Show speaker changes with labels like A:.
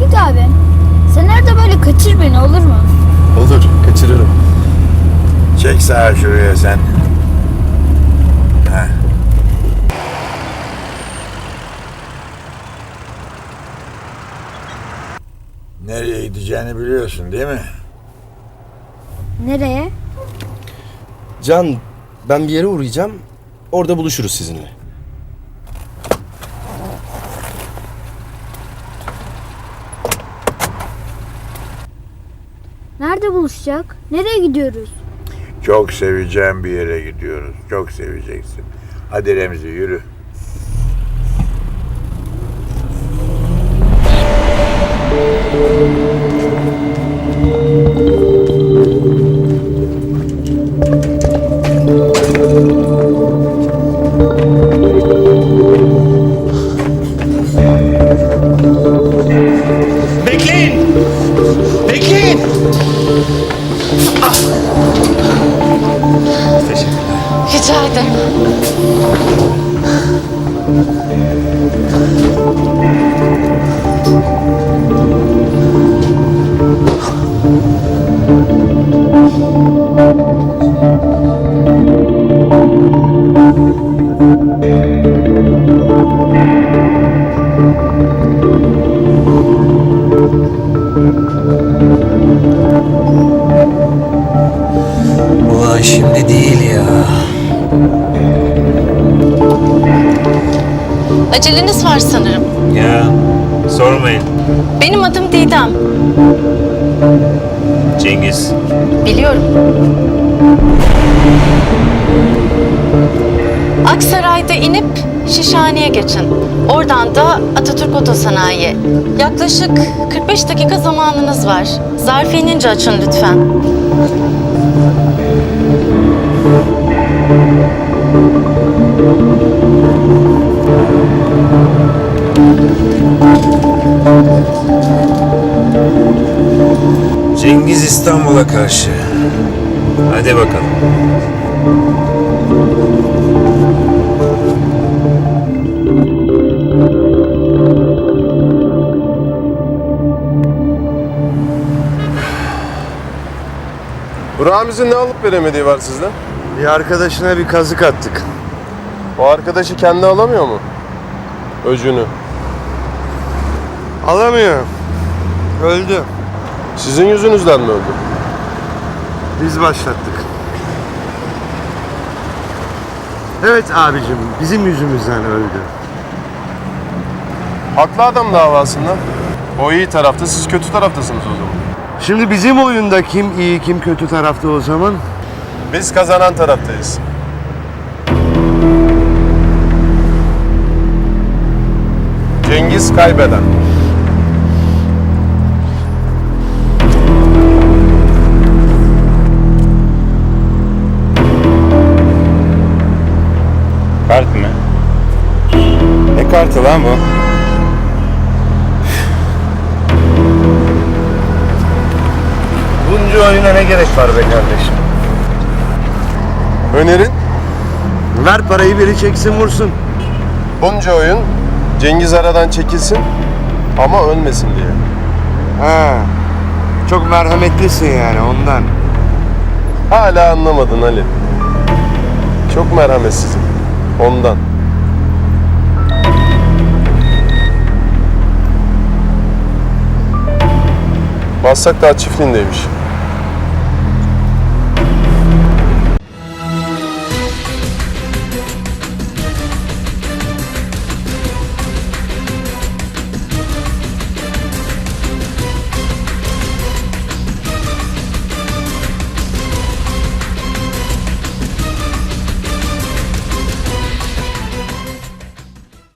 A: Tevfik abi, sen arada böyle kaçır beni, olur mu?
B: Olur, kaçırırım.
C: Çek sağa şuraya sen. Heh. Nereye gideceğini biliyorsun değil mi?
A: Nereye?
B: Can, ben bir yere uğrayacağım. Orada buluşuruz sizinle.
A: Nerede buluşacak? Nereye gidiyoruz?
C: Çok seveceğim bir yere gidiyoruz. Çok seveceksin. Hadi Remzi yürü.
D: Bekleyin! Bekleyin! Teşekkürler.
E: Rica ederim.
D: Ulan şimdi değil ya.
E: Aceleniz var sanırım.
F: Ya sormayın.
E: Benim adım Didem.
F: Cengiz.
E: Biliyorum. Aksaray'da inip Şişhane'ye geçin. Oradan da Atatürk Otosanayi. Yaklaşık 45 dakika zamanınız var. Zarfı inince açın lütfen.
F: Cengiz İstanbul'a karşı. Hadi bakalım.
B: Ramiz'in ne alıp veremediği var sizde?
G: Bir arkadaşına bir kazık attık.
B: O arkadaşı kendi alamıyor mu? Öcünü.
G: Alamıyor. Öldü.
B: Sizin yüzünüzden mi öldü?
G: Biz başlattık. Evet abicim, bizim yüzümüzden öldü.
B: Haklı adam davasında. O iyi tarafta, siz kötü taraftasınız o zaman.
G: Şimdi bizim oyunda kim iyi kim kötü tarafta o zaman?
B: Biz kazanan taraftayız. Cengiz kaybeden.
F: Kart mı? Ne kartı lan bu?
G: Bunca oyuna ne gerek var be kardeşim?
B: Önerin?
G: Ver parayı, biri çeksin vursun.
B: Bunca oyun Cengiz aradan çekilsin ama ölmesin diye.
G: Ha, çok merhametlisin yani ondan.
B: Hala anlamadın Ali. Çok merhametsizim. Ondan. Maslak Dağ çiftliğindeymiş.